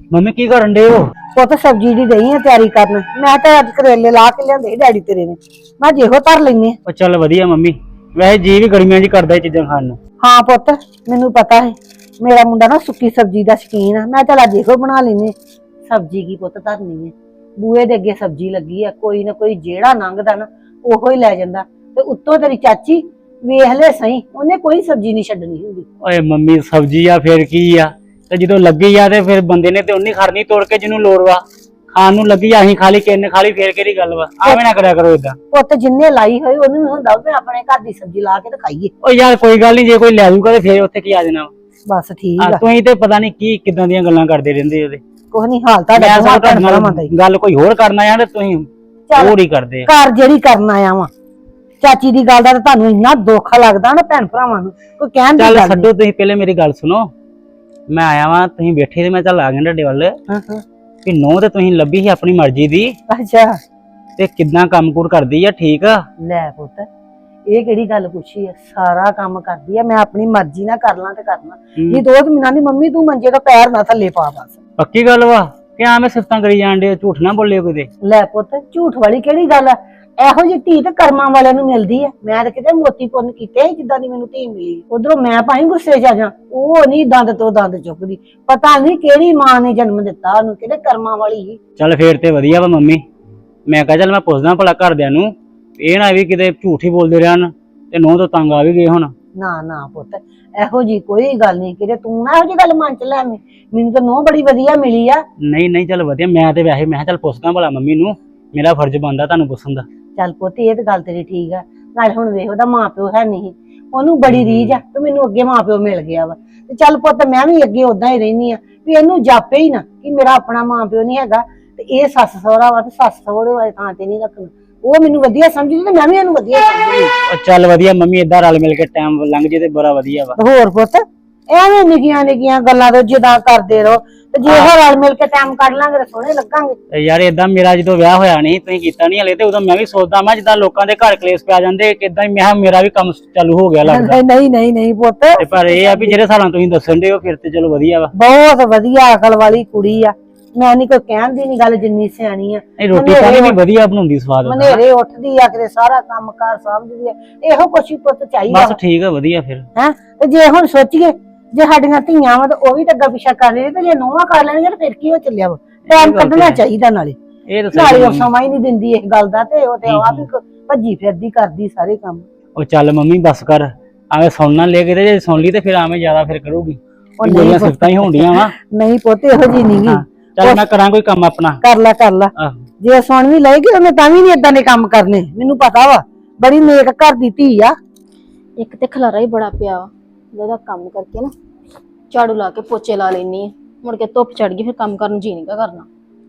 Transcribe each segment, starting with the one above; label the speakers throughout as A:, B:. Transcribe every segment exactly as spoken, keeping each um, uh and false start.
A: Mummy ਕੀ ਕਰਨ ਡੇ ਹੋ?
B: ਪੁੱਤ ਸਬਜ਼ੀ ਦੀ ਦਈ ਆ ਤਿਆਰੀ ਕਰਨ। ਮੈਂ ਤਾਂ ਅੱਜ ਕਰੇਲੇ ਲਾ ਕੇ ਲਿਆਂਦੇ ਡੈਡੀ ਤੇਰੇ ਨੇ, ਮੈਂ ਜਿਹੋ ਧਰ ਲੈਨੇ ਆ।
A: ਉਹ ਚੱਲ ਵਧੀਆ ਮੰਮੀ, ਵੈਸੇ ਜੀ ਵੀ ਗਰਮੀਆਂ 'ਚ ਕਰਦਾ ਇਹ ਚੀਜ਼ਾਂ ਖਾਣ ਨੂੰ।
B: ਹਾਂ ਪੁੱਤ ਮੈਨੂੰ ਪਤਾ ਹੈ, ਮੇਰਾ ਮੁੰਡਾ ਨਾ ਸੁੱਕੀ ਸਬਜ਼ੀ ਦਾ ਸ਼ੌਕੀਨ ਆ। ਮੈਂ ਚੱਲ ਅੱਜ ਇਹੋ ਬਣਾ ਲੈਨੇ। ਸਬਜ਼ੀ ਕੀ ਪੁੱਤ ਧਰਨੀ ਹੈ, ਬੂਹੇ ਦੇ ਅੱਗੇ ਸਬਜ਼ੀ ਲੱਗੀ ਆ, ਕੋਈ ਨਾ ਕੋਈ ਜਿਹੜਾ ਲੰਘਦਾ ਨਾ ਉਹੋ ਹੀ ਲੈ ਜਾਂਦਾ। ਤੇ ਉੱਤੋਂ ਤੇਰੀ ਚਾਚੀ ਵੇਖ ਲੈ ਸਹੀ, ਉਹਨੇ ਕੋਈ ਸਬਜ਼ੀ ਨਹੀਂ ਛੱਡਣੀ ਹੁੰਦੀ।
A: ਓਏ ਮੰਮੀ ਸਬਜ਼ੀ ਆ ਫਿਰ ਕੀ ਆ, ਤੇ ਜਦੋਂ ਲੱਗੀ ਆ ਤੇ ਫਿਰ ਬੰਦੇ ਨੇ ਤੇ ਉਹਨੀ ਖੜਨੀ ਤੋੜ ਕੇ ਜਿਹਨੂੰ ਲੋੜ ਵਾ। ਖਾਣ ਨੂੰ ਲੱਗੀ ਅਸੀਂ ਖਾਲੀ ਕਿੰਨੇ ਖਾਲੀ ਫੇਰ ਕਿਹੜੀ ਗੱਲ ਵਾ? ਆਵੇਂ ਨਾ ਕਰਿਆ ਕਰੋ ਏਦਾਂ।
B: ਪੁੱਤ ਜਿੰਨੇ ਲਾਈ ਹੋਈ ਉਹਨੂੰ ਵੀ ਹੁੰਦਾ ਵੀ ਆਪਣੇ ਘਰ ਦੀ ਸਬਜ਼ੀ ਲਾ ਕੇ ਤੇ ਖਾਈਏ।
A: ਓ ਯਾਰ ਕੋਈ ਗੱਲ ਨਹੀਂ, ਜੇ ਕੋਈ ਲੈ ਜੂਗਾ ਤੇ ਫੇਰ ਉੱਥੇ ਕੀ ਆ ਜਾਣਾ।
B: ਬਸ ਠੀਕ
A: ਆ
B: ਆ,
A: ਤੁਸੀਂ ਤੇ ਪਤਾ ਨਹੀਂ ਕੀ ਕਿਦਾਂ ਦੀਆਂ ਗੱਲਾਂ ਕਰਦੇ ਰਹਿੰਦੇ ਉਹਦੇ।
B: ਕੁਛ ਨਹੀਂ ਹਾਲ ਤੁਹਾਡਾ
A: ਮੈਂ
B: ਦੋਵਾਂ
A: ਤੁਹਾਡੇ
B: ਭੈਣ ਭਰਾਵਾਂ ਦਾ ਹੀ।
A: ਨਾਲ ਗੱਲ ਕੋਈ ਹੋਰ ਕਰਨਾ ਆ ਤੇ ਤੁਸੀਂ ਹੋਰ ਹੀ ਕਰਦੇ ਆ।
B: ਘਰ ਜਿਹੜੀ ਕਰਨ ਆਇਆ ਵਾਂ, ਚਾਚੀ ਦੀ ਗੱਲ ਦਾ ਤਾਂ ਤੁਹਾਨੂੰ ਇੰਨਾ ਦੁੱਖ ਲੱਗਦਾ ਨਾ ਭੈਣ ਭਰਾਵਾਂ ਨੂੰ, ਕੋਈ ਕਹਿਣ ਦੀ
A: ਚੱਲ
B: ਗੱਲ
A: ਛੱਡੋ, ਤੁਸੀਂ ਪਹਿਲੇ ਮੇਰੀ ਗੱਲ ਸੁਣੋ। ਮੈਂ ਆਇਆ ਵਾਂ, ਤੁਸੀਂ ਬੈਠੇ ਤੇ ਮੈਂ ਚੱਲ ਆ ਗਿਆ ਤੁਹਾਡੇ ਵੱਲ
B: ਨਹੀਂ।
A: ਕਿ ਨੌ ਤੇ ਤੁਸੀਂ ਲੱਭੀ ਸੀ ਆਪਣੀ ਮਰਜ਼ੀ ਦੀ,
B: ਅੱਛਾ
A: ਤੇ ਕਿੱਦਾਂ ਕੰਮ-ਕੁਰ ਕਰਦੀ ਆ? ਠੀਕ ਆ?
B: ਲੈ ਪੁੱਤ ਇਹ ਕਿਹੜੀ ਗੱਲ ਪੁੱਛੀ ਆ, ਸਾਰਾ ਕੰਮ ਕਰਦੀ ਆ। ਮੈਂ ਆਪਣੀ ਮਰਜ਼ੀ ਨਾਲ ਕਰ ਲਾਂ ਤੇ ਕਰਨਾ ਨਹੀਂ। ਦੋ ਮਹੀਨਾ ਦੀ ਮੰਮੀ ਤੂੰ ਮੰਜੇ ਦਾ ਪੈਰ ਨਾ ਥੱਲੇ ਪਾ। ਬਸ
A: ਪੱਕੀ ਗੱਲ ਵਾ ਕਿ ਆ ਮੈਂ ਸਿਫਤਾਂ ਕਰੀ ਜਾਣ ਦੇ, ਝੂਠ ਨਾ ਬੋਲਿਓ ਕਿਤੇ।
B: ਲੈ ਪੁੱਤ ਝੂਠ ਵਾਲੀ ਕਿਹੜੀ ਗੱਲ ਆ, ਇਹੋ ਜਿਹੀ ਧੀ ਤੇ ਕਰਮਾਂ ਵਾਲਿਆਂ ਨੂੰ ਮਿਲਦੀ ਆ। ਮੈਂ ਤਾਂ ਕਿਤੇ ਮੋਤੀ ਪੁੰਨ ਕੀਤੇ ਜਿੱਦਾਂ ਦੀ ਮੈਨੂੰ ਧੀ ਮਿਲੀ। ਉਧਰੋਂ ਮੈਂ ਭਾਈ ਗੁੱਸੇ ਚ ਆ ਜਾ, ਉਹ ਨਹੀਂ ਦੰਦ ਤੋਂ ਦੰਦ ਚੁੱਕਦੀ। ਪਤਾ ਨਹੀਂ ਕਿਹੜੀ ਮਾਂ ਨੇ ਜਨਮ ਦਿੱਤਾ ਉਹਨੂੰ, ਕਿਹੜੇ ਕਰਮਾਂ ਵਾਲੀ ਸੀ।
A: ਚੱਲ ਫੇਰ ਤੇ ਵਧੀਆ ਵਾ ਮੰਮੀ। ਮੈਂ ਕਹਾਂ ਚੱਲ ਮੈਂ ਪੁੱਛਦਾ ਭਲਾ ਘਰਦਿਆਂ ਨੂੰ, ਇਹ ਨਾ ਵੀ ਕਿਤੇ ਝੂਠ ਹੀ ਬੋਲਦੇ ਰਹਿਣ ਤੇ ਨੌ ਤੋਂ ਤੰਗ ਆ ਵੀ ਗਏ ਹੁਣ।
B: ਨਾ ਨਾ ਪੁੱਤ ਇਹੋ ਜੀ ਕੋਈ ਗੱਲ ਨਹੀਂ, ਕਿਤੇ ਤੂੰ ਨਾ ਇਹੋ ਜੀ ਗੱਲ ਮਨ ਚ ਲੈ। ਮੈਨੂੰ ਤਾਂ ਨੌ ਬੜੀ ਵਧੀਆ ਮਿਲੀ ਆ।
A: ਨਹੀਂ ਨਹੀਂ ਚੱਲ ਵਧੀਆ। ਮੈਂ ਤੇ ਵੈਸੇ ਮੈਂ ਕਿਹਾ ਚੱਲ ਪੁੱਛਦਾ ਭਲਾ ਮੰਮੀ ਨੂੰ, ਮੇਰਾ ਫਰਜ਼ ਬਣਦਾ ਤੁਹਾਨੂੰ ਪੁੱਛਣ ਦਾ।
B: ਚੱਲ ਪੁੱਤ ਇਹ ਤੇ ਗੱਲ ਤੇਰੀ ਠੀਕ ਆ। ਨਾਲੇ ਹੁਣ ਵੇਖ ਉਹਦਾ ਮਾਂ ਪਿਓ ਹੈ ਨਹੀਂ, ਉਹਨੂੰ ਬੜੀ ਰੀਝ ਆ ਤੇ ਮੈਨੂੰ ਅੱਗੇ ਮਾਂ ਪਿਓ ਮਿਲ ਗਿਆ ਵਾ। ਤੇ ਚੱਲ ਪੁੱਤ ਮੈਂ ਵੀ ਅੱਗੇ ਉਦਾਂ ਹੀ ਰਹਿਨੀ ਆ ਵੀ ਇਹਨੂੰ ਜਾਪੇ ਹੀ ਨਾ ਕਿ ਮੇਰਾ ਆਪਣਾ ਮਾਂ ਪਿਓ ਨਹੀਂ ਹੈਗਾ ਤੇ ਇਹ ਸੱਸ ਸਹੁਰਾ ਵਾ, ਤੇ ਸੱਸ ਸਹੁਰੇ ਵਾਲੀ ਥਾਂ ਤੇ ਨਹੀਂ ਰੱਖਣਾ। ਉਹ ਮੈਨੂੰ ਵਧੀਆ ਸਮਝਦੀ ਤੇ ਮੈਂ ਵੀ ਇਹਨੂੰ ਵਧੀਆ ਸਮਝਦੀ।
A: ਉਹ ਚੱਲ ਵਧੀਆ ਮੰਮੀ, ਏਦਾਂ ਰਲ ਮਿਲ ਕੇ ਟਾਈਮ ਲੰਘ ਜੇ ਤੇ ਬੜਾ ਵਧੀਆ ਵਾ।
B: ਹੋਰ ਪੁੱਤ ਐਵੇਂ ਨਿੱਕੀਆਂ ਨਿੱਕੀਆਂ ਗੱਲਾਂ ਤੋਂ ਜਿੱਦਾਂ ਕਰਦੇ ਰਹੋ, ਤੇ ਜੇ ਇਹ ਰਲ ਮਿਲ ਕੇ ਟਾਈਮ ਕੱਢ ਲਾਂਗੇ ਤਾਂ ਸੋਹਣੇ ਲੱਗਾਂਗੇ।
A: ਤੇ ਯਾਰ ਏਦਾਂ ਮੇਰਾ ਜਦੋਂ ਵਿਆਹ ਹੋਇਆ ਨਹੀਂ, ਤੁਸੀਂ ਕੀਤਾ ਨਹੀਂ ਹਲੇ, ਤੇ ਉਦੋਂ ਮੈਂ ਵੀ ਸੋਚਦਾ ਮੈਂ ਜਿੱਦਾਂ ਲੋਕਾਂ ਦੇ ਘਰ ਕਲੇਸ਼ ਪੈ ਜਾਂਦੇ ਕਿਦਾਂ ਹੀ ਮੈਂ ਮੇਰਾ ਵੀ ਕੰਮ ਚਾਲੂ ਹੋ ਗਿਆ ਲੱਗਦਾ।
B: ਨਹੀਂ ਨਹੀਂ ਨਹੀਂ ਪੁੱਤ,
A: ਤੇ ਪਰ ਇਹ ਆ ਵੀ ਜਿਹੜੇ ਸਾਲਾਂ ਤੁਸੀਂ ਦੱਸਣ ਦੇ ਹੋ ਫਿਰ ਤੇ ਚਲੋ ਵਧੀਆ ਵਾ।
B: ਬਹੁਤ ਵਧੀਆ ਅਕਲ ਵਾਲੀ ਕੁੜੀ ਆ। ਮੈਂ ਨਹੀਂ ਕੋਈ ਕਹਿਣ ਦੀ ਨਹੀਂ ਗੱਲ, ਜਿੰਨੀ ਸਿਆਣੀ ਆ।
A: ਇਹ ਰੋਟੀ ਪਾਣੀ ਵੀ ਵਧੀਆ ਬਣਾਉਂਦੀ, ਸਵਾਦ।
B: ਮਨੇਰੇ ਉੱਠਦੀ ਆ, ਕਿਤੇ ਸਾਰਾ ਕੰਮ ਕਾਰ ਸਮਝਦੀ ਆ। ਇਹੋ ਕੁਛ ਹੀ ਪੁੱਤ ਚਾਹੀਦਾ।
A: ਬਸ ਠੀਕ ਆ, ਵਧੀਆ ਫਿਰ।
B: ਹੈ ਤੇ ਜੇ ਹੁਣ ਸੋਚੀਏ ਜੇ ਸਾਡੀਆਂ ਧੀਆਂ ਵਾ ਤਾਂ ਉਹ ਵੀ ਤਾਂ ਅੱਗਾ ਪਿੱਛਾ ਕਰ ਰਹੇ, ਤੇ ਜੇ ਨੋਹਾਂ ਕਰ ਲੈਣਗੇ ਤਾਂ ਫਿਰ ਕੀ ਹੋ ਚੱਲਿਆ ਵਾ। ਟਾਈਮ ਕੱਢਣਾ ਚਾਹੀਦਾ। ਨਾਲੇ
A: ਇਹ
B: ਨਾਲੇ ਉਹ ਸਮਾਂ ਹੀ ਨਹੀਂ ਦਿੰਦੀ ਇਸ ਗੱਲ ਦਾ, ਤੇ ਉਹ ਤੇ ਆਪ ਹੀ ਭੱਜੀ ਫਿਰਦੀ ਕਰਦੀ ਸਾਰੇ ਕੰਮ।
A: ਉਹ ਚੱਲ ਮੰਮੀ ਬਸ ਕਰ, ਆਵੇਂ ਸੁਣਨਾ ਲੈ ਕੇ, ਤੇ ਜੇ ਸੁਣ ਲਈ ਤੇ ਫਿਰ ਆਵੇਂ ਜ਼ਿਆਦਾ ਫਿਰ ਕਰੂਗੀ। ਉਹ ਮੇਰੀਆਂ ਸਿਫਤਾਂ ਹੀ ਹੋਣੀਆਂ ਵਾ।
B: ਨਹੀਂ ਪੁੱਤ ਇਹੋ ਜੀ ਨਹੀਂ ਗੀ।
A: ਚੱਲ ਮੈਂ ਕਰਾਂ ਕੋਈ ਕੰਮ ਆਪਣਾ।
B: ਕਰ ਲੈ ਕਰ ਲੈ, ਜੇ ਸੁਣ ਵੀ ਲਏਗੀ ਉਹਨੇ ਤਾਂ ਵੀ ਨਹੀਂ ਏਦਾਂ ਦੇ ਕੰਮ ਕਰਨੇ। ਮੈਨੂੰ ਪਤਾ ਵਾ, ਬੜੀ ਨੇਕ ਘਰ ਦੀ ਧੀ ਆ।
C: ਇੱਕ ਤੇ ਖਲਾਰਾ ਹੀ ਬੜਾ ਪਿਆ ਵਾ, ਜਿਹਦਾ ਕੰਮ ਕਰਕੇ ਨਾ ਝਾੜੂ ਲਾ ਕੇ ਪੋਚੇ ਲਾ ਲੈਣੀ ਆ, ਮੁੜ ਕੇ ਧੁੱਪ ਚੜ ਗਈ ਫਿਰ ਕੰਮ ਕਰਨ ਨੂੰ ਜੀ ਨਹੀਂ ਕਰਨਾ।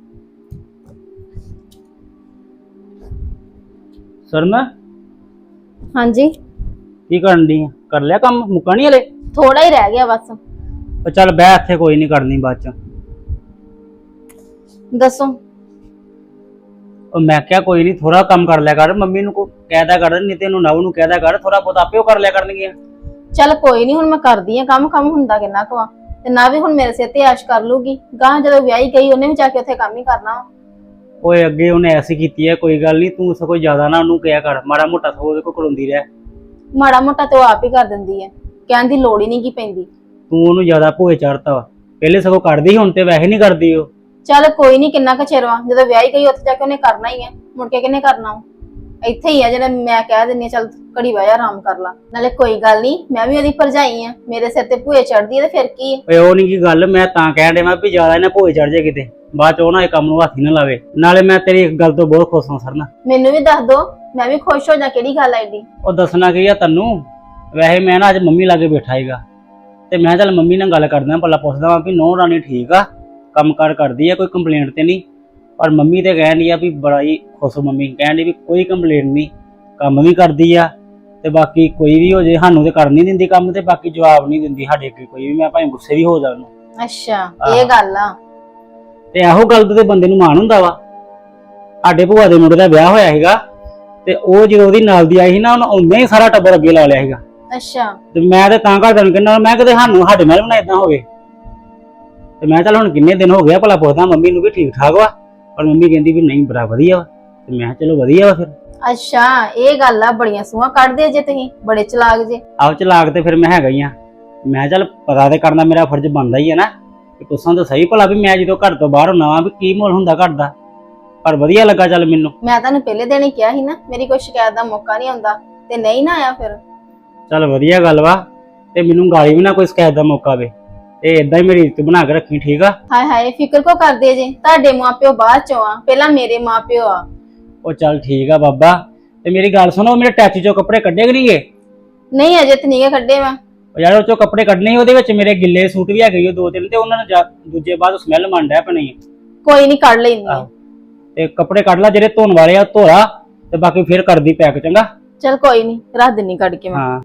A: ਸਰਨਾ
C: ਹਾਂਜੀ
A: ਕੀ ਕਰਨ ਦੀ? ਕਰ ਲਿਆ ਕੰਮ? ਮੁੱਕਾ ਨਹੀਂ ਹਲੇ?
C: ਥੋੜਾ ਹੀ ਰਹਿ ਗਿਆ ਬਸ।
A: ਉਹ ਚੱਲ ਬਹਿ ਇੱਥੇ, ਕੋਈ ਨਹੀਂ ਕਰਨੀ ਬਾਅਦ ਚ।
C: ਦੱਸੋ।
A: ਉਹ ਮੈਂ ਕਿਹਾ ਕੋਈ ਨਹੀਂ, ਥੋੜਾ ਕੰਮ ਕਰ ਲਿਆ ਕਰ। ਮੰਮੀ ਨੂੰ ਕੋ ਕਹਿਦਾ ਕਰ, ਨਹੀਂ ਤੇ ਇਹਨੂੰ ਨਵ ਨੂੰ ਕਹਿਦਾ ਕਰ, ਥੋੜਾ ਬਹੁਤ ਆਪੇ ਉਹ ਕਰ ਲਿਆ ਕਰਨਗੀਆਂ।
C: ਚੱਲ ਕੋਈ ਨਹੀਂ, ਹੁਣ ਮੈਂ ਕਰਦੀ ਆ ਕੰਮ। ਕੰਮ ਹੁੰਦਾ ਕਿੰਨਾ ਕੁ ਵਾ, ਤੇ ਨਾ ਵੀ ਹੁਣ ਮੇਰੇ ਸਿਰ ਤੇ ਐਸ਼ ਕਰ ਲੂਗੀ। ਗਾਂ ਜਦੋਂ ਵਿਆਹੀ ਗਈ ਉਹਨੇ ਵੀ ਜਾ ਕੇ ਉੱਥੇ ਕੰਮ ਹੀ ਕਰਨਾ ਵਾ।
A: ਓਏ ਅੱਗੇ ਉਹਨੇ ਐਸੀ ਕੀਤੀ ਹੈ, ਕੋਈ ਗੱਲ ਨਹੀਂ, ਤੂੰ ਸਗੋਂ ਜ਼ਿਆਦਾ ਨਾ ਉਹਨੂੰ ਕਿਹਾ ਕਰ। ਮਾੜਾ ਮੋਟਾ ਸਗੋਂ ਉਹਦੇ ਕੋਲ ਕਰਾਉਂਦੀ ਰਹਿ।
C: ਮਾੜਾ ਮੋਟਾ ਤੇ ਉਹ ਆਪ ਹੀ ਕਰ ਦਿੰਦੀ ਹੈ, ਕਹਿਣ ਦੀ ਲੋੜ ਹੀ ਨਹੀਂ ਕੀ ਪੈਂਦੀ।
A: ਤੂੰ ਉਹਨੂੰ ਜ਼ਿਆਦਾ ਭੋਏ ਚੜਤਾ ਵਾ। ਪਹਿਲੇ ਸਗੋਂ ਕਰਦੀ, ਹੁਣ ਤੇ ਵੈਸੇ ਨਹੀਂ ਕਰਦੀ ਉਹ।
C: ਚੱਲ ਕੋਈ ਨਹੀਂ, ਕਿੰਨਾ ਕੁ ਚਿਰ ਵਾ, ਜਦੋਂ ਵਿਆਹੀ ਗਈ ਉੱਥੇ ਜਾ ਕੇ ਉਹਨੇ ਕਰਨਾ ਹੀ ਹੈ, ਮੁੜ ਕੇ ਕਿਹਨੇ ਕਰਨਾ ਵਾ? ਇੱਥੇ ਹੀ ਆ ਜਿਹੜਾ ਮੈਂ ਕਹਿ ਦਿੰਨੀ, ਚੱਲ ਘੜੀ ਵਾਇਆ ਆਰਾਮ ਕਰ ਲਾ। ਨਾਲੇ ਕੋਈ ਗੱਲ ਨਹੀਂ, ਮੈਂ ਵੀ ਉਹਦੀ ਭਰਜਾਈ ਆ, ਮੇਰੇ ਸਿਰ ਤੇ ਭੂਏ ਚੜਦੀ ਹੈ ਤੇ ਫਿਰ ਕੀ ਹੈ।
A: ਓਏ ਉਹ ਨਹੀਂ ਕੀ ਗੱਲ, ਮੈਂ ਤਾਂ ਕਹਿਣ ਡਿਆ ਵੀ ਜ਼ਿਆਦਾ ਇਹਨੇ ਭੋਏ ਚੜ ਜਾਏ ਕਿਤੇ, ਬਾਅਦ ਚ ਉਹ ਨਾ ਇਹ ਕੰਮ ਨੂੰ ਹੱਥ ਹੀ ਨਾ ਲਾਵੇ। ਨਾਲੇ ਮੈਂ ਤੇਰੀ ਇੱਕ ਗੱਲ ਤੋਂ ਬਹੁਤ ਖੁਸ਼ ਹਾਂ ਸਰਨਾ।
C: ਮੈਨੂੰ ਵੀ ਦੱਸ ਦੋ, ਮੈਂ ਵੀ ਖੁਸ਼ ਹੋ ਜਾ। ਕਿਹੜੀ ਗੱਲ ਐਡੀ?
A: ਉਹ ਦੱਸਣਾ ਕੀ ਆ ਤੈਨੂੰ, ਵੈਸੇ ਮੈਂ ਨਾ ਅੱਜ ਮੰਮੀ ਲਾਗੇ ਬੈਠਾ ਸੀਗਾ, ਤੇ ਮੈਂ ਚੱਲ ਮੰਮੀ ਨਾਲ ਗੱਲ ਕਰਦਾ, ਭਲਾ ਪੁੱਛਦਾ ਵਾਂ ਵੀ ਨੌਂ ਰਾਣੀ ਠੀਕ ਆ, ਕੰਮ ਕਾਰ ਕਰਦੀ ਆ, ਕੋਈ ਕੰਪਲੇਂਟ ਤੇ ਨਹੀਂ। ਪਰ ਮੰਮੀ ਤੇ ਕਹਿਣ ਡਈ ਆ ਵੀ ਬੜਾ ਹੀ ਖੁਸ਼। ਮੰਮੀ ਕਹਿਣ ਡਈ ਵੀ ਕੋਈ ਕੰਪਲੇਂਟ ਨਹੀਂ, ਕੰਮ ਵੀ ਕਰਦੀ ਆ, ਤੇ ਬਾਕੀ ਕੋਈ ਵੀ ਹੋ ਜੇ ਸਾਨੂੰ ਤੇ ਕਰ ਨਹੀਂ ਦਿੰਦੀ ਕੰਮ, ਤੇ ਬਾਕੀ ਜਵਾਬ ਨਹੀਂ ਦਿੰਦੀ ਸਾਡੇ ਅੱਗੇ ਕੋਈ ਵੀ। ਮੈਂ ਭਾਵੇਂ ਗੁੱਸੇ ਵੀ ਹੋ ਜਾ ਉਹਨੂੰ।
C: ਅੱਛਾ ਇਹ ਗੱਲ ਆ।
A: ਤੇ ਇਹੋ ਗੱਲ ਤੇ ਬੰਦੇ ਨੂੰ ਮਾਣ ਹੁੰਦਾ ਵਾ। ਸਾਡੇ ਭੂਆ ਦੇ ਮੁੰਡੇ ਦਾ ਵਿਆਹ ਹੋਇਆ ਸੀਗਾ, ਤੇ ਉਹ ਜਦੋਂ ਉਹਦੀ ਨਾਲ ਦੀ ਆਈ ਸੀ ਨਾ, ਉਹਨੂੰ ਆਉਂਦਿਆਂ ਹੀ ਸਾਰਾ ਟੱਬਰ ਅੱਗੇ ਲਾ ਲਿਆ ਸੀਗਾ।
C: ਅੱਛਾ।
A: ਤੇ ਮੈਂ ਤੇ ਤਾਂ ਘਰਦਿਆਂ ਨੂੰ ਕਹਿੰਦਾ, ਮੈਂ ਕਿਤੇ ਸਾਨੂੰ ਸਾਡੇ ਨਾਲ ਵੀ ਨਾ ਏਦਾਂ ਹੋਵੇ। ਤੇ ਮੈਂ ਚੱਲ ਹੁਣ ਕਿੰਨੇ ਦਿਨ ਹੋ ਗਿਆ ਭਲਾ ਪੁੱਛਦਾ ਮੰਮੀ ਨੂੰ ਵੀ ਠੀਕ ਠਾਕ ਵਾ, ਪਰ ਮੰਮੀ ਕਹਿੰਦੀ ਵੀ ਨਹੀਂ ਬੜਾ ਵਧੀਆ ਵਾ। ਤੇ ਮੈਂ ਕਿਹਾ ਚਲੋ ਵਧੀਆ ਵਾ ਫਿਰ।
C: ਅੱਛਾ ਇਹ ਗੱਲ ਆ, ਬੜੀਆਂ ਸੂਹਾਂ ਕੱਢਦੇ ਜੇ ਤੁਸੀਂ, ਬੜੇ ਚਲਾਕ ਜੇ।
A: ਆਪ ਚਲਾਕ ਤੇ ਫਿਰ ਮੈਂ ਹੈਗਾ ਹੀ ਆ। ਮੈਂ ਚੱਲ ਪਤਾ ਤੇ ਕਰਨਾ ਮੇਰਾ ਫਰਜ਼ ਬਣਦਾ ਹੀ ਹੈ ਨਾ, ਕਿ ਪੁੱਛਾਂ ਤਾਂ ਸਹੀ ਭਲਾ ਵੀ ਮੈਂ ਜਦੋਂ ਘਰ ਤੋਂ ਬਾਹਰ ਹੁੰਨਾ ਵਾਂ ਵੀ ਕੀ ਮਾਹੌਲ ਹੁੰਦਾ ਘਰ ਦਾ। ਪਰ ਵਧੀਆ ਲੱਗਾ ਚੱਲ ਮੈਨੂੰ।
C: ਮੈਂ ਤੁਹਾਨੂੰ ਪਹਿਲੇ ਦਿਨ ਹੀ ਕਿਹਾ ਸੀ ਨਾ ਮੇਰੀ ਕੋਈ ਸ਼ਿਕਾਇਤ ਦਾ ਮੌਕਾ ਨਹੀਂ ਆਉਂਦਾ, ਤੇ ਨਹੀਂ ਨਾ ਆਇਆ ਫਿਰ।
A: ਚੱਲ ਵਧੀਆ ਗੱਲ ਵਾ, ਤੇ ਮੈਨੂੰ ਗਾਲੀ ਵੀ ਨਾ ਕੋਈ ਸ਼ਿਕਾਇਤ ਦਾ ਮੌਕਾ ਵੇ, ਤੇ ਇਦਾਂ ਹੀ ਮੇਰੀ ਇੱਜ਼ਤ ਬਣਾ ਕੇ ਰੱਖੀ, ਠੀਕ ਆ।
C: ਹਾਏ ਹਾਏ ਫਿਕਰ ਕੋ ਕਰਦੇ ਜੇ, ਤੁਹਾਡੇ ਮਾਪਿਓ ਬਾਅਦ ਚੋਂ ਆ, ਪਹਿਲਾਂ ਮੇਰੇ ਮਾਪਿਓ ਆ।
A: ਉਹ ਚੱਲ ਠੀਕ ਆ ਬਾਬਾ। ਤੇ ਮੇਰੀ ਗੱਲ ਸੁਣੋ, ਮੇਰੇ ਟੈਚੀ ਚੋਂ ਕੱਪੜੇ ਕੱਢੇ ਕਿ ਨਹੀਂ ਗਏ?
C: ਨਹੀਂ ਅਜੇ ਤੇ ਨਹੀਂ ਕੱਢੇ ਮੈਂ।
A: ਉਹ ਯਾਰ ਉਹ ਚੋਂ ਕੱਪੜੇ ਕੱਢਣੇ ਸੀ, ਉਹਦੇ ਵਿੱਚ ਮੇਰੇ ਗਿੱਲੇ ਸੂਟ ਵੀ ਹੈਗੇ ਦੋ ਤਿੰਨ, ਤੇ ਉਹਨਾਂ ਨੂੰ ਜਾ- ਦੂਜੇ ਬਾਅਦ ਸਮੈਲ ਮੰਨਦਾ ਪਣੀ।
C: ਕੋਈ ਨਹੀਂ ਕੱਢ ਲੈਂਦੀ ਆ।
A: ਤੇ ਕੱਪੜੇ ਕੱਢ ਲਾ ਜਿਹੜੇ ਧੋਣ ਵਾਲੇ ਆ, ਧੋਰਾ, ਤੇ ਬਾਕੀ ਫਿਰ ਕਰਦੀ ਪੈਕ, ਚੰਗਾ।
C: ਚਲ ਕੋਈ ਨਹੀਂ, ਰੱਖ ਦਿੰਨੀ ਕੱਢ ਕੇ ਮੈਂ।
A: ਹਾਂ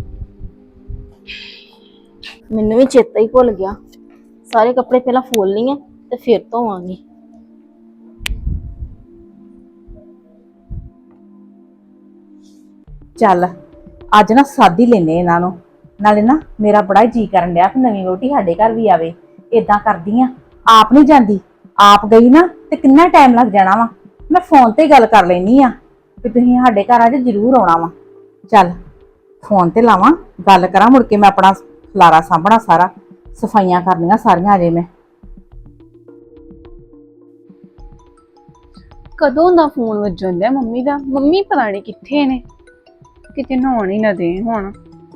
C: ਮੈਨੂੰ ਵੀ ਚੇਤਾ ਹੀ ਭੁੱਲ ਗਿਆ, ਸਾਰੇ ਕੱਪੜੇ ਪਹਿਲਾਂ ਫੋਲ ਲਈ ਆ ਤੇ ਫਿਰ ਧੋਵਾਂਗੀ।
D: ਚੱਲ ਅੱਜ ਨਾ ਸਾਦੀ ਲੈਨੇ ਇਹਨਾਂ ਨੂੰ, ਨਾਲੇ ਨਾ ਮੇਰਾ ਬੜਾ ਜੀ ਕਰਨ ਡਿਆ ਕਿ ਨਵੀਂ ਵਹੁਟੀ ਸਾਡੇ ਘਰ ਵੀ ਆਵੇ। ਏਦਾਂ ਕਰਦੀ ਆ, ਆਪ ਨਹੀਂ ਜਾਂਦੀ, ਆਪ ਗਈ ਨਾ ਤੇ ਕਿੰਨਾ ਟਾਈਮ ਲੱਗ ਜਾਣਾ ਵਾ। ਮੈਂ ਫੋਨ ਤੇ ਗੱਲ ਕਰ ਲੈਣੀ ਆ ਕਿ ਤੁਸੀਂ ਸਾਡੇ ਘਰ ਅੱਜ ਜ਼ਰੂਰ ਆਉਣਾ ਵਾ। ਚੱਲ ਫੋਨ ਤੇ ਲਾਵਾਂ, ਗੱਲ ਕਰਾਂ, ਮੁੜ ਕੇ ਮੈਂ ਆਪਣਾ ਖਲਾਰਾ ਸਾਂਭਣਾ, ਸਾਰਾ ਸਫਾਈਆਂ ਕਰਨੀਆਂ ਸਾਰੀਆਂ ਅਜੇ ਮੈਂ।
E: ਕਦੋਂ ਦਾ ਫੋਨ ਵੱਜਣ ਡਿਆ ਮੰਮੀ ਦਾ, ਮੰਮੀ ਪਤਾ ਨਹੀਂ ਕਿੱਥੇ ਨੇ, ਕਿਤੇ ਨਹਾਉਣ ਹੀ ਨਾ ਦੇ ਹੁਣ।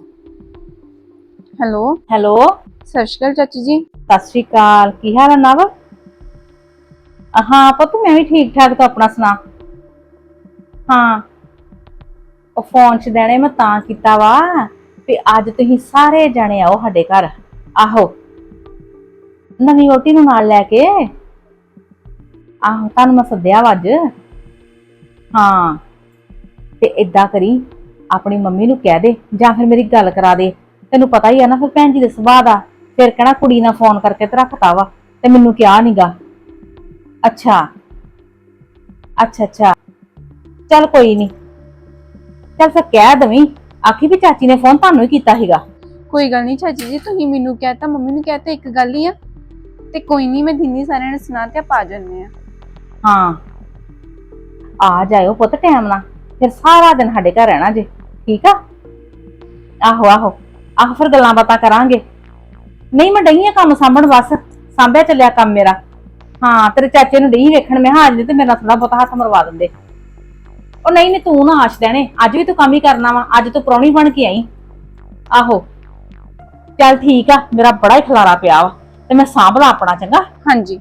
E: ਹੈਲੋ
D: ਹੈਲੋ,
E: ਸਤਿ ਸ਼੍ਰੀ ਅਕਾਲ ਚਾਚੀ ਜੀ।
D: ਸਤਿ ਸ਼੍ਰੀ ਅਕਾਲ, ਕੀ ਹਾਲ ਆ ਨਵ? ਹਾਂ ਪੁੱਤ ਮੈਂ ਵੀ ਠੀਕ ਠਾਕ, ਤੂੰ ਆਪਣਾ ਸੁਣਾ। ਹਾਂ ਉਹ ਫੋਨ ਚ ਦੇਣੇ ਮੈਂ ਤਾਂ ਕੀਤਾ ਵਾ ਵੀ ਅੱਜ ਤੁਸੀਂ ਸਾਰੇ ਜਣੇ ਆਓ ਸਾਡੇ ਘਰ। ਆਹੋ ਨਵੀਂ ਵਹੁਟੀ ਨੂੰ ਨਾਲ ਲੈ ਕੇ, ਆਹੋ ਤੁਹਾਨੂੰ ਮੈਂ ਸੱਦਿਆ ਵਾ ਅੱਜ। ਹਾਂ ਤੇ ਏਦਾਂ ਕਰੀ, ਆਪਣੀ ਮੰਮੀ ਨੂੰ ਕਹਿ ਦੇ ਜਾਂ ਫਿਰ ਮੇਰੀ ਗੱਲ ਕਰਾ ਦੇ। ਤੈਨੂੰ ਪਤਾ ਹੀ ਆ ਨਾ ਫਿਰ ਭੈਣ ਜੀ ਦੇ ਸੁਭਾਅ ਦਾ, ਫਿਰ ਕਹਿਣਾ ਕੁੜੀ ਨਾਲ ਫੋਨ ਕਰਕੇ ਤੇ ਰੱਖਤਾ ਵਾ ਤੇ ਮੈਨੂੰ ਕਿਹਾ ਨੀਗਾ। ਅੱਛਾ ਅੱਛਾ ਅੱਛਾ ਚੱਲ ਕੋਈ ਨੀ, ਚੱਲ ਫਿਰ ਕਹਿ ਦਵੀਂ, ਆਖੀ ਵੀ ਚਾਚੀ ਨੇ ਫੋਨ ਤੁਹਾਨੂੰ ਹੀ ਕੀਤਾ ਸੀਗਾ।
E: ਕੋਈ ਗੱਲ ਨਹੀਂ ਚਾਚੀ ਜੀ, ਤੁਸੀਂ ਮੈਨੂੰ ਕਹਿਤਾ ਮੰਮੀ ਨੂੰ ਕਹਿਤਾ, ਇੱਕ ਗੱਲ ਹੀ ਆ। ਤੇ ਕੋਈ ਨਹੀਂ ਮੈਂ ਦਿਨੀ ਸਾਰਿਆਂ ਨੂੰ ਸੁਣਾ ਤੇ ਆਪਾਂ ਆ ਜੰਨੇ ਆ।
D: ਹਾਂ ਆ ਜਾਇਓ ਪੁੱਤ ਟਾਈਮ ਨਾਲ, ਫਿਰ ਸਾਰਾ ਦਿਨ ਸਾਡੇ ਘਰ ਰਹਿਣਾ ਜੇ, ਠੀਕ ਆ। ਆਹੋ ਆਹੋ ਆਹੋ ਫਿਰ ਗੱਲਾਂ ਬਾਤਾਂ ਕਰਾਂਗੇ। ਨਹੀਂ ਮੈਂ ਡਈ ਆ ਕੰਮ ਸਾਂਭਣ, ਬਸ ਸਾਂਭਿਆ ਚੱਲਿਆ ਕੰਮ ਮੇਰਾ। ਹਾਂ ਤੇਰੇ ਚਾਚੇ ਨੂੰ ਡਈ ਵੇਖਣ, ਮੈਂ ਹਾਂ ਅੱਜ ਤੇ ਮੇਰਾ ਥੋੜਾ ਬਹੁਤਾ ਹੱਥ ਮਰਵਾ ਦਿੰਦੇ। ਉਹ ਨਹੀਂ ਨਹੀਂ ਤੂੰ ਨਾ ਆਸ਼ ਦੇਣੇ, ਅੱਜ ਵੀ ਤੂੰ ਕੰਮ ਹੀ ਕਰਨਾ ਵਾ, ਅੱਜ ਤੂੰ ਪ੍ਰਾਹੁਣੀ ਬਣ ਕੇ ਆਈ। ਆਹੋ ਚੱਲ ਠੀਕ ਆ, ਮੇਰਾ ਬੜਾ ਹੀ ਖਲਾਰਾ ਪਿਆ ਵਾ ਤੇ ਮੈਂ ਸਾਂਭਲਾ ਆਪਣਾ, ਚੰਗਾ।
E: ਹਾਂਜੀ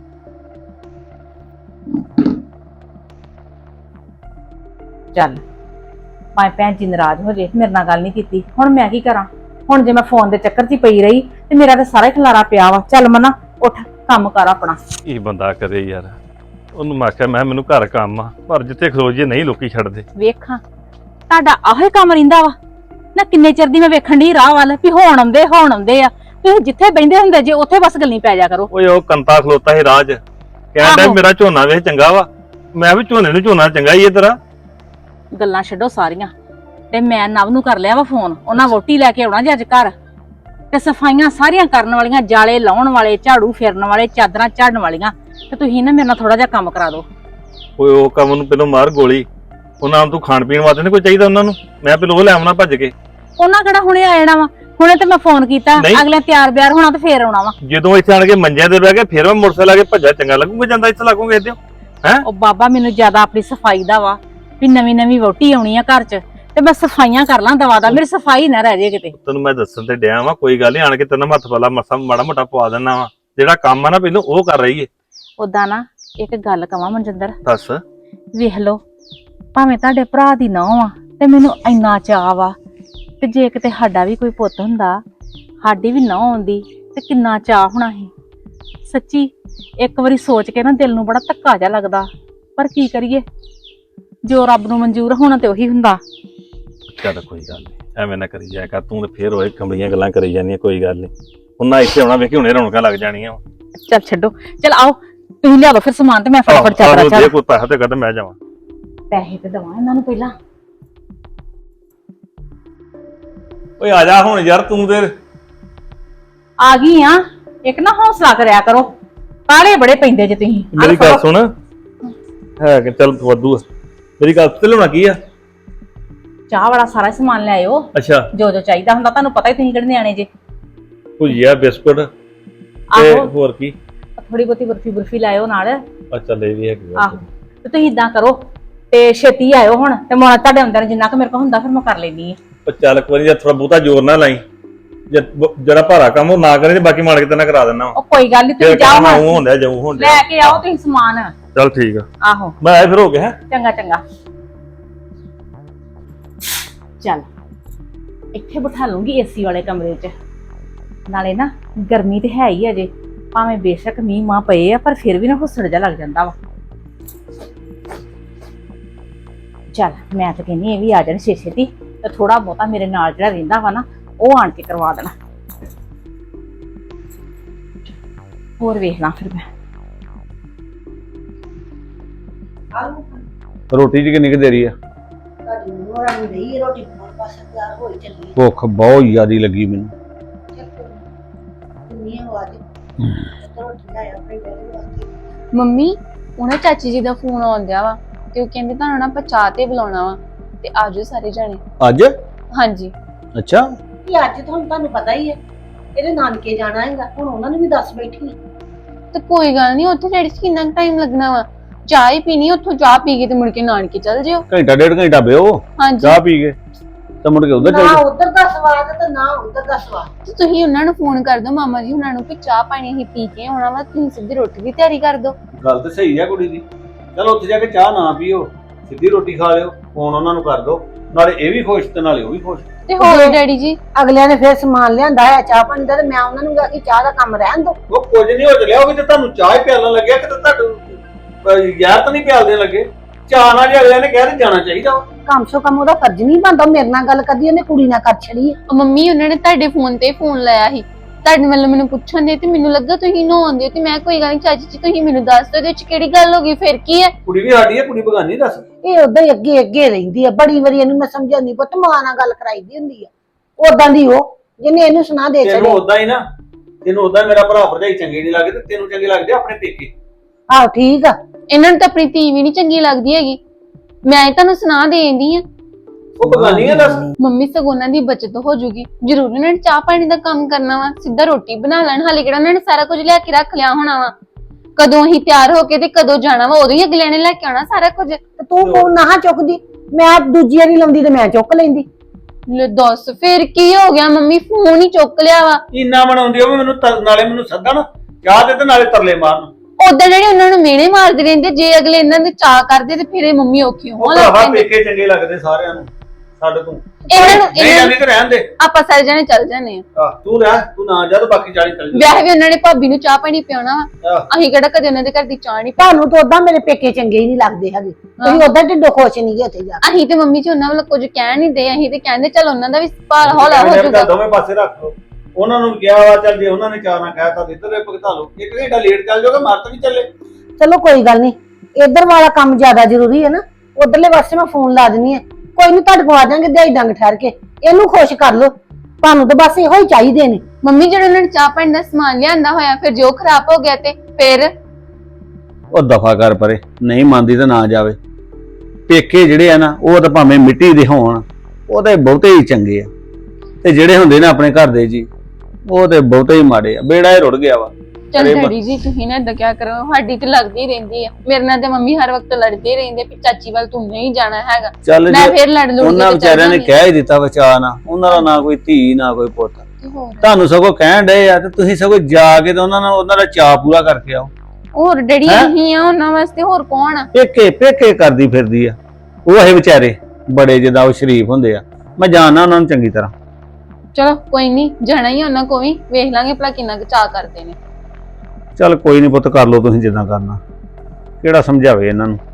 D: ਚੱਲ ਭਾਵੇਂ ਭੈਣ ਜੀ ਨਾਰਾਜ਼ ਹੋ ਜੇ, ਮੇਰੇ ਨਾਲ ਗੱਲ ਨਹੀਂ ਕੀਤੀ, ਹੁਣ ਮੈਂ ਕੀ ਕਰਾਂ। ਹੁਣ ਜੇ ਮੈਂ ਫੋਨ ਦੇ ਚੱਕਰ 'ਚ ਹੀ ਪਈ ਰਹੀ ਤੇ ਮੇਰਾ ਤਾਂ ਸਾਰਾ ਹੀ ਖਲਾਰਾ ਪਿਆ ਵਾ। ਚੱਲ ਮਨਾ ਉੱਠ, ਕੰਮ ਕਰ ਆਪਣਾ।
F: ਕੀ ਬੰਦਾ ਕਰੇ ਯਾਰ, ਉਹਨੂੰ ਮੈਂ ਆਖਿਆ ਮੈਂ ਮੈਨੂੰ ਘਰ ਕੰਮ ਆ, ਪਰ ਜਿੱਥੇ ਖਲੋ ਜੇ ਨਹੀਂ ਲੋਕੀ ਛੱਡਦੇ।
D: ਵੇਖਾਂ ਤੁਹਾਡਾ ਆਹੇ ਕੰਮ ਰਹਿੰਦਾ ਵਾ ਨਾ, ਕਿੰਨੇ ਚਿਰ ਦੀ ਮੈਂ ਵੇਖਣ ਦੀ ਰਾਹ ਵੱਲ ਵੀ ਹੋਣ ਆਉਂਦੇ ਹੋਣ ਆਉਂਦੇ ਆ। ਤੁਸੀਂ ਜਿੱਥੇ ਬੈਠੇ ਹੁੰਦੇ ਜੇ ਉੱਥੇ ਬਸ ਗੱਲਾਂ ਪੈ ਜਾ ਕਰੋ।
F: ਓਏ ਉਹ ਕੰਤਾ ਖਲੋਤਾ ਸੀ ਰਾਜ, ਕਹਿੰਦਾ
D: ਆਹੋ।
F: ਮੇਰਾ ਝੋਨਾ ਵੇਖ ਚੰਗਾ ਵਾ। ਮੈਂ ਵੀ ਝੋਨੇ ਨੂੰ ਝੋਨਾ ਚੰਗਾ ਹੀ ਇਹ ਤੇਰਾ।
D: ਗੱਲਾਂ ਛੱਡੋ ਸਾਰੀਆਂ, ਤੇ ਮੈਂ ਨਵ ਨੂੰ ਕਰ ਲਿਆ ਵਾ ਫੋਨ, ਉਹਨਾਂ ਵੋਟੀ ਲੈ ਕੇ ਆਉਣਾ ਜੇ ਅੱਜ ਘਰ, ਤੇ ਸਫਾਈਆਂ ਸਾਰੀਆਂ ਕਰਨ ਵਾਲੀਆਂ, ਜਾਲੇ ਲਾਉਣ ਵਾਲੇ, ਝਾੜੂ ਫੇਰਨ ਵਾਲੇ, ਚਾਦਰਾਂ ਝਾੜਨ ਵਾਲੀਆਂ, ਤੇ ਤੁਸੀਂ ਨਾ ਮੇਰੇ ਨਾਲ ਥੋੜਾ ਜਿਹਾ ਕੰਮ ਕਰਾ ਦਿਓ।
F: ਓਏ ਉਹ ਕੰਮ ਨੂੰ ਪਹਿਲਾਂ ਮਾਰ ਗੋਲੀ, ਉਹਨਾਂ ਨੂੰ ਤੂੰ ਖਾਣ ਪੀਣ ਵਾਸਤੇ ਨਹੀਂ ਕੋਈ ਚਾਹੀਦਾ ਉਹਨਾਂ ਨੂੰ, ਮੈਂ ਪਹਿਲਾਂ ਉਹ ਲੈ ਆਉਣਾ ਭੱਜ ਕੇ।
D: ਉਹਨਾਂ ਕਿਹੜਾ ਹੁਣੇ ਆ ਜਾਣਾ ਵਾ, ਹੁਣੇ ਤੇ ਮੈਂ ਫੋਨ ਕੀਤਾ,
F: ਨਹੀਂ।
D: ਅਗਲੇ ਤਿਆਰ ਬਿਆਰ ਹੋਣਾ ਤੇ ਫੇਰ ਆਉਣਾ ਵਾ।
F: ਜਦੋਂ ਇੱਥੇ ਆਣ ਕੇ ਮੰਜਿਆਂ ਤੇ ਬਹਿ ਕੇ ਫਿਰ ਮੈਂ ਮੋਟਰਸਾਈਕਲ ਆ ਕੇ ਭੱਜਾ ਚੰਗਾ ਲੱਗੂਗਾ, ਜਾਂਦਾ ਇੱਥੇ ਲੱਗੂਗਾ ਇਹਦੇ ਹੈ।
D: ਉਹ ਬਾਬਾ ਮੈਨੂੰ ਜ਼ਿਆਦਾ ਆਪਣੀ ਸਫਾਈ ਦਾ ਵਾ ਵੀ ਨਵੀਂ ਨਵੀਂ ਵਹੁਟੀ ਆਉਣੀ ਆ ਘਰ 'ਚ, ਤੇ ਮੈਂ ਸਫਾਈਆਂ ਕਰ ਲਾਂ ਦਵਾ ਦਾ, ਮੇਰੀ ਸਫਾਈ ਨਾ ਰਹਿ ਜੇ ਕਿਤੇ।
F: ਤੈਨੂੰ ਮੈਂ ਦੱਸਣ ਤੇ ਡਿਆ ਵਾ, ਕੋਈ ਗੱਲ ਨਹੀਂ, ਆਣ ਕੇ ਤੈਨੂੰ ਹੱਥ ਵਾਲਾ ਮਸਾ ਮਾੜਾ ਮੋਟਾ ਪਵਾ ਦੇਣਾ ਵਾ, ਜਿਹੜਾ ਕੰਮ ਆ ਨਾ ਪਹਿਲਾਂ ਉਹ ਕਰ ਰਹੀ ਏ।
D: ਉਦਾਂ ਨਾ ਇੱਕ ਗੱਲ ਕਵਾਂ ਮਨਜਿੰਦਰ,
F: ਦੱਸ।
D: ਵੇਖ ਲੋ ਭਾਵੇਂ ਤੁਹਾਡੇ ਭਰਾ ਦੀ ਨਹੁੰ ਆ ਤੇ ਮੈਨੂੰ ਇੰਨਾ ਚਾਅ ਵਾ, ਤੇ ਜੇ ਕਿਤੇ ਸਾਡਾ ਵੀ ਕੋਈ ਪੁੱਤ ਹੁੰਦਾ, ਸਾਡੀ ਵੀ ਨਹੁੰ ਆਉਂਦੀ ਤੇ ਕਿੰਨਾ ਚਾਅ ਹੋਣਾ ਸੀ। ਸੱਚੀ ਇੱਕ ਵਾਰੀ ਸੋਚ ਕੇ ਨਾ ਦਿਲ ਨੂੰ ਬੜਾ ਧੱਕਾ ਜਿਹਾ ਲੱਗਦਾ, ਪਰ ਕੀ ਕਰੀਏ, ਜੋ ਰੱਬ ਨੂੰ ਮਨਜ਼ੂਰ ਹੋਣਾ ਤੇ ਉਹੀ ਹੁੰਦਾ।
F: ਚੱਲ ਕੋਈ ਗੱਲ ਨਹੀਂ, ਐਵੇਂ ਨਾ ਕਰੀ ਜਾਇਆ ਕਰ ਤੂੰ, ਤੇ ਫੇਰ ਹੋਏ ਕਮਲੀਆਂ ਗੱਲਾਂ ਕਰੀ ਜਾਂਦੀਆਂ, ਕੋਈ ਗੱਲ ਨਹੀਂ। ਉਹਨਾਂ ਇੱਥੇ ਆਉਣਾ ਵੇਖੀ, ਹੁਣੇ ਰੌਣਕਾਂ ਲੱਗ ਜਾਣੀਆਂ।
D: ਚੱਲ ਛੱਡੋ, ਚੱਲ ਆਓ ਤੁਸੀਂ ਲਿਆ ਦੋ ਫਿਰ ਸਮਾਨ, ਤੇ ਮੈਂ ਫਟਾਫਟ ਚਾਦਰਾਂ
F: ਜੇ
D: ਚਾਹ
F: ਕੋਈ ਪੈਸਾ ਤੇ ਕਦ ਮੈਂ ਜਾਵਾਂ।
D: ਪੈਸੇ ਤੇ ਦਵਾਂ ਇਹਨਾਂ ਨੂੰ ਪਹਿਲਾਂ।
F: ਓਏ ਆ ਜਾ ਹੁਣ ਯਾਰ, ਤੂੰ ਤੇ
D: ਆ ਗਈ ਆ, ਇੱਕ ਨਾ ਹੌਸਲਾ ਕਰਿਆ ਕਰੋ, ਕਾਲੇ ਬੜੇ ਪੈਂਦੇ ਜੇ ਤੁਸੀਂ। ਆਹ
F: ਮੇਰੀ ਗੱਲ
D: ਫੜੋ।
F: ਸੁਣ, ਹੈ ਕਿ ਚੱਲ ਵਾਧੂ ਆ। ਮੇਰੀ ਗੱਲ ਤੇ ਲਿਆਉਣਾ ਕੀ ਆ?
D: ਚਾਹ ਵਾਲਾ ਸਾਰਾ ਸਮਾਨ ਲੈ ਆਇਓ,
F: ਅੱਛਾ,
D: ਜੋ ਜੋ ਚਾਹੀਦਾ ਹੁੰਦਾ। ਤੁਹਾਨੂੰ ਪਤਾ ਹੀ ਤੁਸੀਂ ਕਿਹੜੇ ਨਿਆਣੇ ਜੇ।
F: ਭੁਜੀਆ, ਬਿਸਕੁਟ ਤੇ
D: ਆਹੋ,
F: ਹੋਰ ਕੀ?
D: ਥੋੜੀ ਬਹੁਤੀ ਬਰਫੀ ਬਰਫੀ ਲਾਇਓ ਨਾਲ।
F: ਅੱਛਾ, ਲੈ ਵੀ ਹੈਗੀ ਆ।
D: ਆਹੋ, ਤੇ ਤੁਸੀਂ ਇਦਾਂ ਕਰੋ ਤੇ ਛੇਤੀ ਆਇਓ ਹੁਣ, ਤੇ ਮੈਂ ਤੁਹਾਡੇ ਅੰਦਰ ਜਿੰਨਾ ਕੁ ਮੇਰੇ ਕੋਲ ਹੁੰਦਾ ਫਿਰ ਮੈਂ ਕਰ ਲੈਣੀ ਆ।
F: ਪਰ ਚੱਲ ਇੱਕ ਵਾਰੀ ਜੇ ਥੋੜਾ ਬਹੁਤਾ ਜ਼ੋਰ ਨਾ ਲਾਈ, ਜੇ ਬ- ਜਿਹੜਾ ਭਾਰਾ ਕੰਮ ਉਹ ਨਾ ਕਰੇ ਤੇ ਬਾਕੀ ਮਾਰ ਕੇ ਤੈਨੂੰ ਕਰਾ ਦਿੰਦਾ
D: ਉਹ ਕੋਈ ਗੱਲ ਨਹੀਂ, ਤੁਸੀਂ ਜਾਓ
F: ਉਹ
D: ਹੁਣ,
F: ਹੁੰਦਾ ਜਾਊ ਹੁਣ
D: ਲੈ ਕੇ ਆਓ ਤੁਸੀਂ ਸਮਾਨ।
F: ਚੱਲ ਠੀਕ ਆ,
D: ਆਹੋ,
F: ਮੈਂ ਆਇਆ ਫਿਰ ਹੋ ਗਿਆ। ਹੈ
D: ਚੰਗਾ ਚੰਗਾ। ਚੱਲ ਇੱਥੇ ਬਿਠਾ ਲੂੰਗੀ ਏਸੀ ਵਾਲੇ ਕਮਰੇ 'ਚ, ਨਾਲੇ ਨਾ ਗਰਮੀ ਤੇ ਹੈ ਹੀ ਅਜੇ, ਭਾਵੇਂ ਬੇਸ਼ੱਕ ਮੀਂਹ ਮਾਂ ਪਏ ਆ ਪਰ ਫਿਰ ਵੀ ਨਾ ਹੁਸੜ ਜਾ ਲੱਗ ਜਾਂਦਾ ਵਾ। ਚੱਲ ਮੈਂ ਤਾਂ ਕਹਿੰਦੀ ਇਹ ਵੀ ਆ ਜਾਣ ਛੇ ਛੇਤੀ, ਤੇ ਥੋੜਾ ਬਹੁਤਾ ਮੇਰੇ ਨਾਲ ਜਿਹੜਾ ਰਹਿੰਦਾ ਵਾ ਨਾ ਉਹ ਆਣ ਕੇ ਕਰਵਾ ਦੇਣਾ। ਹੋਰ ਵੇਖ ਲਾਂ ਫਿਰ ਮੈਂ।
G: ਰੋਟੀ ਦੀ ਕਿੰਨੀ ਕੁ ਦੇਰੀ ਆ?
B: ਤੁਹਾਡੀ ਨੂੰਹ ਰਾਣੀ ਰਹੀ ਰੋਟੀ ਬਣਾਉਣ ਪਾਸੇ ਤਿਆਰ ਹੋਈ ਚੱਲੀ
G: ਭੁੱਖ ਬਹੁਤ ਜ਼ਿਆਦੀ ਲੱਗੀ ਮੈਨੂੰ।
B: ਕਿੰਨੀ ਆਵਾਜ਼ ਰੋਟੀ ਲੈ ਆਪਣੇ ਬੇੜੇ ਵਾਸਤੇ।
E: ਮੰਮੀ ਉਹਨਾਂ ਚਾਚੀ ਜੀ ਦਾ ਫੋਨ ਆਉਂਦਿਆ ਵਾ ਤੇ ਉਹ ਕਹਿੰਦੇ ਤੁਹਾਨੂੰ ਨਾ ਪਚਾ ਤੇ ਬੁਲਾਉਣਾ ਵਾ ਤੇ ਆਜੋ ਸਾਰੇ ਜਾਣੇ।
G: ਅੱਜ?
E: ਹਾਂਜੀ।
G: ਅੱਛਾ,
B: ਕਿ ਅੱਜ ਤੁਹਾਨੂੰ ਤੁਹਾਨੂੰ ਪਤਾ ਹੀ ਹੈ ਇਹਦੇ ਨਾਨਕੇ ਜਾਣਾ ਹੈਗਾ, ਹੁਣ ਉਹਨਾਂ ਨੂੰ ਵੀ ਦੱਸ ਬੈਠੀ।
E: ਤੇ ਕੋਈ ਗੱਲ ਨਹੀਂ, ਉੱਥੇ ਜਿਹੜੀ ਕਿੰਨਾ ਟਾਈਮ ਲੱਗਣਾ ਵਾ, ਚਾਹ ਹੀ ਪੀਣੀ, ਉੱਥੋਂ ਚਾਹ ਪੀ ਕੇ ਤੇ ਮੁੜ ਕੇ ਨਾਨਕੇ ਚੱਲ ਜਿਓ।
G: ਘੰਟਾ ਡੇਢ ਘੰਟਾ ਬਿਓ
E: ਹਾਂਜੀ।
G: ਚਾਹ ਪੀ ਕੇ ਤੇ ਮੁੜ ਕੇ ਉਧਰ
B: ਨਾ
G: ਚੱਲ
B: ਉਧਰ ਦਾ ਸਵਾਦ ਤੇ ਨਾ ਉਧਰ ਦਾ ਸਵਾਦ।
E: ਤੇ ਤੁਸੀਂ ਉਹਨਾਂ ਨੂੰ ਫੋਨ ਕਰ ਦਿਓ ਮਾਮਾ ਜੀ ਉਹਨਾਂ ਨੂੰ ਕਿ ਚਾਹ ਪਾਣੀ ਹੀ ਪੀ ਕੇ ਆਉਣਾ ਵਾ, ਤੁਸੀਂ ਸਿੱਧੀ ਰੋਟੀ ਦੀ ਤਿਆਰੀ ਕਰ ਦਿਓ।
G: ਗੱਲ ਤੇ ਸਹੀ ਆ ਕੁੜੀ ਦੀ। ਚਲੋ ਉੱਥੇ ਜਾ ਕੇ ਚਾਹ ਨਾ ਪੀਓ, ਸਿੱਧੀ ਰੋਟੀ ਖਾ ਲਿਓ, ਫੋਨ ਉਹਨਾਂ ਨੂੰ ਕਰ ਦਿਓ, ਨਾਲੇ ਇਹ ਵੀ ਖੁਸ਼ ਤੇ ਨਾਲੇ ਉਹ ਵੀ ਖੁਸ਼।
E: ਤੇ ਹੋਰ ਡੈਡੀ ਜੀ
B: ਅਗਲਿਆਂ ਨੇ ਫਿਰ ਸਮਾਨ ਲਿਆਂਦਾ ਹੈ ਚਾਹ ਪਾਣੀ ਦਾ, ਤੇ ਮੈਂ ਉਹਨਾਂ ਨੂੰ ਕਿਹਾ ਕਿ ਚਾਹ ਦਾ ਕੰਮ ਰਹਿਣ ਦੋ।
G: ਉਹ ਕੁਝ ਨਹੀਂ ਹੋ ਚੱਲਿਆ, ਉਹ ਵੀ ਤੇ ਤੁਹਾਨੂੰ ਚਾਹ ਹੀ ਪਿਆਲਣ ਲੱਗਿਆ ਕਿ ਤੁਹਾਨੂੰ ਯਾਰ ਤਾਂ ਨਹੀਂ ਪਿਆਲਦੇ ਲੱਗੇ। ਚਾਹ ਨਾਲ ਜੇ ਅਗਲਿਆਂ ਨੇ ਕਹਿ ਤੇ ਜਾਣਾ ਚਾਹੀਦਾ ਵਾ।
B: ਕਮ ਸੋ ਕਮ ਉਹਦਾ ਫਰਜ਼ ਨਹੀਂ ਬਣਦਾ ਮੇਰੇ ਨਾਲ ਗੱਲ ਕਰਦੀ, ਉਹਨੇ ਕੁੜੀ ਨਾਲ ਕਰ ਛੜੀ ਹੈ।
E: ਉਹ ਮੰਮੀ ਉਹਨਾਂ ਨੇ ਤੁਹਾਡੇ ਫੋਨ ਤੇ ਫੋਨ ਲਾਇਆ ਸੀ, ਤੁਹਾਡੇ ਵੱਲੋਂ ਮੈਨੂੰ ਪੁੱਛਣ ਦੇ ਤੇ ਮੈਨੂੰ ਲੱਗਾ ਤੁਸੀਂ ਨਹਾਉਂਦੇ ਤੇ ਮੈਂ ਕੋਈ ਗੱਲ ਨਹੀਂ ਚਾਚੀ ਜੀ ਤੁਸੀਂ ਮੈਨੂੰ ਦੱਸ ਦਿਓ ਇਹਦੇ ਵਿੱਚ ਕਿਹੜੀ ਗੱਲ ਹੋ ਗਈ, ਫਿਰ ਕੀ ਹੈ।
G: ਕੁੜੀ ਵੀ ਸਾਡੀ ਹੈ, ਕੁੜੀ ਬਗਾਨੀ ਦੱਸ।
B: ਇਹ ਉਦਾਂ ਹੀ ਅੱਗੇ ਅੱਗੇ ਰਹਿੰਦੀ ਹੈ, ਬੜੀ ਵਾਰੀ ਇਹਨੂੰ ਮੈਂ ਸਮਝਾਉਂਦੀ, ਪੁੱਤ ਮਾਂ ਨਾਲ ਗੱਲ ਕਰਾਈਦੀ ਹੁੰਦੀ ਆ। ਉਦਾਂ ਦੀ ਉਹ ਜਿਹਨੇ ਇਹਨੂੰ ਸੁਣਾ ਦੇ
G: ਤੈਨੂੰ
B: ਛੜੇ।
G: ਉਦਾਂ ਹੀ ਨਾ, ਤੈਨੂੰ ਉਦਾਂ ਮੇਰਾ ਭਰਾ ਭਰਜਾਈ ਚੰਗੇ ਨਹੀਂ ਲੱਗਦੇ, ਤੈਨੂੰ ਚੰਗੇ ਲੱਗਦੇ ਆਪਣੇ ਪੇਕੇ।
B: ਆਹੋ ਠੀਕ ਆ।
E: ਇਹਨਾਂ ਨੂੰ ਤਾਂ ਆਪਣੀ ਧੀ ਵੀ ਨਹੀਂ ਚੰਗੀ ਲੱਗਦੀ ਹੈਗੀ, ਮੈਂ ਹੀ ਤੁਹਾਨੂੰ ਸੁਣਾ ਦੇਂਦੀ ਆ।
G: ਉਹ ਬਗਾਨੀ ਆ ਦੱਸ।
E: ਮੰਮੀ ਸਗੋਂ ਉਹਨਾਂ ਦੀ ਬਚਤ ਹੋ ਜੂਗੀ, ਜ਼ਰੂਰ ਉਹਨਾਂ ਨੇ ਚਾਹ ਪਾਣੀ ਦਾ ਕੰਮ ਕਰਨਾ ਵਾ, ਸਿੱਧਾ ਰੋਟੀ ਬਣਾ ਲੈਣ, ਹਾਲੇ ਕਿਹੜਾ ਉਹਨਾਂ ਨੇ ਸਾਰਾ ਕੁਝ ਲਿਆ ਕੇ ਰੱਖ ਲਿਆ ਹੋਣਾ ਵਾ। ਕਦੋਂ ਹੀ ਤਿਆਰ ਹੋ ਕੇ ਤੇ ਕਦੋਂ ਜਾਣਾ ਵਾ, ਉਦੋਂ ਹੀ ਅਗਲਿਆਂ ਨੇ ਲੈ ਕੇ ਆਉਣਾ ਸਾਰਾ ਕੁਝ।
B: ਤੇ ਤੂੰ ਫੋਨ ਨਾ ਚੁੱਕਦੀ, ਮੈਂ ਦੂਜੀ ਵਾਰੀ ਲਾਉਂਦੀ ਤੇ ਮੈਂ ਚੁੱਕ ਲੈਂਦੀ।
E: ਲੈ ਦੱਸ ਫਿਰ ਕੀ ਹੋ ਗਿਆ, ਮੰਮੀ ਫੋਨ ਹੀ ਚੁੱਕ ਲਿਆ ਵਾ।
G: ਇੰਨਾ ਬਣਾਉਂਦੀ ਉਹ ਵੀ ਮੈਨੂੰ ਤਰ- ਨਾਲੇ ਮੈਨੂੰ ਸੱਦਣ ਚਾਹ ਦੇ ਤੇ ਨਾਲੇ ਤਰਲੇ ਮਾਰਨ।
E: ਉਦਾਂ ਜਿਹੜੇ ਉਹਨਾਂ ਨੂੰ ਮਿਹਣੇ ਮਾਰਦੇ ਰਹਿੰਦੇ, ਜੇ ਅਗਲੇ ਇਹਨਾਂ ਦੇ ਚਾਹ ਕਰਦੇ ਤੇ ਫਿਰ ਇਹ ਮੰਮੀ ਔਖੀ
G: ਉਹ
E: ਹੋਣ ਲੱਗ
G: ਭਰਾਵਾ
E: ਪੈਂਦੇ।
G: ਪੇਕੇ ਚੰਗੇ ਲੱਗਦੇ ਸਾਰਿਆਂ ਨੂੰ ਸਾਡੇ ਤੋਂ।
E: ਇਹਨਾਂ ਨੂੰ
G: ਨਹੀਂ
E: ਇਹਨਾਂ
G: ਜਾਂਦੀ ਤੇ ਰਹਿਣ ਦੇ।
E: ਆਪਾਂ ਸਾਰੇ ਜਣੇ ਚੱਲ ਜਾਂਦੇ ਆ।
G: ਆਹ, ਤੂੰ ਰਹਿ, ਤੂੰ ਨਾ ਜਾ ਤੇ ਬਾਕੀ ਚਾਲੀ ਚੱਲ ਜਾ।
E: ਵਿਆਹ ਵੀ ਉਹਨਾਂ ਨੇ ਭਾਬੀ ਨੂੰ ਚਾਹ ਪਾਣੀ ਪਿਆਉਣਾ ਵਾ,
G: ਆਹ,
E: ਅਸੀਂ ਕਿਹੜਾ ਕਦੇ ਉਹਨਾਂ ਦੇ ਘਰ ਦੀ ਚਾਹ ਨਹੀਂ।
B: ਤੁਹਾਨੂੰ ਤਾਂ ਉਦਾਂ ਮੇਰੇ ਪੇਕੇ ਚੰਗੇ ਹੀ ਨਹੀਂ ਲੱਗਦੇ ਹੈਗੇ, ਤੁਸੀਂ ਉਦਾਂ ਢਿੱਡੋਂ ਖੁਸ਼ ਨਹੀਂ ਗਏ ਉੱਥੇ ਜਾ ਕੇ।
E: ਅਸੀਂ ਤੇ ਮੰਮੀ ਜੀ ਉਹਨਾਂ ਵੱਲ ਕੁਝ ਕਹਿ ਨਹੀਂ ਦੇ, ਅਸੀਂ ਤੇ ਕਹਿੰਦੇ ਚੱਲ ਉਹਨਾਂ ਦਾ ਵੀ ਭਾਰ ਹੌਲਾ ਹੋ
G: ਚੱਲ
E: ਜਾਊਗਾ।
G: ਦੋਵੇਂ ਪਾਸੇ ਰੱਖ ਲਓ। ਉਹਨਾਂ ਨੂੰ ਵੀ ਕਿਹਾ ਵਾ, ਚੱਲ ਜੇ ਉਹਨਾਂ ਨੇ ਚਾਹ ਨਾ ਕਹਿਤਾ ਤੇ ਇੱਧਰ ਭਗਤਾ ਲਓ। ਇੱਕ ਘੰਟਾ ਲੇਟ ਚੱਲ ਜਾਓਗੇ, ਮਰ ਤਾਂ ਨਹੀਂ ਚੱਲੇ।
B: ਚਲੋ ਕੋਈ ਗੱਲ ਨਹੀਂ, ਇੱਧਰ ਵਾਲਾ ਕੰਮ ਜ਼ਿਆਦਾ ਜ਼ਰੂਰੀ ਹੈ ਨਾ, ਉਧਰਲੇ ਪਾਸੇ ਮੈਂ ਫੋਨ ਲਾ ਦਿੰਨੀ ਆ। ਕੋਈ ਨਹੀਂ, ਤੁਹਾਡੇ ਕੋਲ ਆ ਜਾਾਂਗੇ ਦਿਹਾੜੀ ਡੰਗ ਠਹਿਰ ਕੇ, ਇਹਨੂੰ ਖੁਸ਼ ਕਰ ਲਓ। ਤੁਹਾਨੂੰ ਤਾਂ ਬਸ ਇਹੋ ਹੀ ਚਾਹੀਦੇ ਨੇ।
E: ਮੰਮੀ ਜਿਹੜੇ ਉਹਨਾਂ ਨੇ ਚਾਹ ਪਾਣੀ ਦਾ ਸਮਾਨ ਲਿਆਂਦਾ ਹੋਇਆ, ਫਿਰ ਜੋ ਖਰਾਬ ਹੋ ਗਿਆ ਤੇ ਫਿਰ
G: ਉਹ ਦਫਾ ਕਰ ਪਰੇ, ਨਹੀਂ ਮੰਨਦੀ ਤਾਂ ਨਾ ਜਾਵੇ। ਪੇਕੇ ਜਿਹੜੇ ਆ ਨਾ, ਉਹ ਤਾਂ ਭਾਵੇਂ ਮਿੱਟੀ ਦੇ ਹੋਣ, ਉਹ ਤਾਂ ਬਹੁਤੇ ਹੀ ਚੰਗੇ ਆ, ਤੇ ਜਿਹੜੇ ਹੁੰਦੇ ਨੇ ਆਪਣੇ ਘਰ ਦੇ ਜੀ, ਉਹ ਤੇ ਬਹੁਤੇ ਹੀ ਮਾੜੇ ਆ। ਬੇੜਾ ਹੀ ਰੁੜ ਗਿਆ ਵਾ।
E: ਚੱਲ
G: ਅਰੇ ਬਾ-
E: ਡੈਡੀ ਜੀ ਤੁਸੀਂ ਨਾ ਏਦਾਂ ਕਿਆ ਕਰੋ, ਸਾਡੀ ਤੇ ਲੱਗਦੀ ਰਹਿੰਦੀ ਆ। ਮੇਰੇ ਨਾਲ ਤੇ ਮੰਮੀ ਹਰ ਵਕਤ ਲੜਦੇ ਰਹਿੰਦੇ ਵੀ ਚਾਚੀ ਵੱਲ ਤੂੰ ਨਹੀਂ ਜਾਣਾ ਹੈਗਾ।
G: ਚੱਲ
E: ਮੈਂ
G: ਜੇ
E: ਫਿਰ ਲੜ ਲੂੰਗੀ
G: ਉਹਨਾਂ ਵਿਚਾਰਿਆਂ ਨੇ ਕਹਿ ਹੀ ਦਿੱਤਾ ਬਚਾ ਨਾ, ਉਹਨਾਂ ਦਾ ਨਾ ਕੋਈ ਧੀ ਨਾ ਕੋਈ ਪੁੱਤ। ਤੁਹਾਨੂੰ ਸਗੋਂ ਕਹਿਣ ਡਏ ਆ ਤੇ ਤੁਸੀਂ ਸਗੋਂ ਜਾ ਕੇ ਤੇ ਉਹਨਾਂ ਨਾਲ ਉਹਨਾਂ ਦਾ ਚਾਅ ਪੂਰਾ ਕਰਕੇ ਆਓ।
E: ਹੋਰ ਡੈਡੀ
G: ਹੈਂ?
E: ਨਹੀਂ ਆ ਉਹਨਾਂ ਵਾਸਤੇ, ਹੋਰ ਕੌਣ ਆ।
G: ਪੇਕੇ ਪੇਕੇ ਕਰਦੀ ਫਿਰਦੀ ਆ ਉਹ। ਇਹ ਵਿਚਾਰੇ ਬੜੇ ਜਿੱਦਾਂ ਉਹ ਸ਼ਰੀਫ ਹੁੰਦੇ ਆ, ਮੈਂ ਜਾਣਦਾ ਉਹਨਾਂ ਨੂੰ ਚੰਗੀ ਤਰ੍ਹਾਂ।
E: ਚਲੋ ਕੋਈ ਨਹੀਂ, ਜਾਣਾ ਹੀ ਉਹਨਾਂ ਕੋ ਵੀ, ਵੇਖ ਲਾਂਗੇ ਭਲਾ ਕਿੰਨਾ ਕੁ ਚਾਅ ਕਰਦੇ ਨੇ।
G: ਚੱਲ ਕੋਈ ਨਹੀਂ ਪੁੱਤ, ਕਰ ਲਓ ਤੁਸੀਂ ਜਿੱਦਾਂ ਕਰਨਾ। ਕਿਹੜਾ ਸਮਝਾਵੇ ਇਹਨਾਂ ਨੂੰ।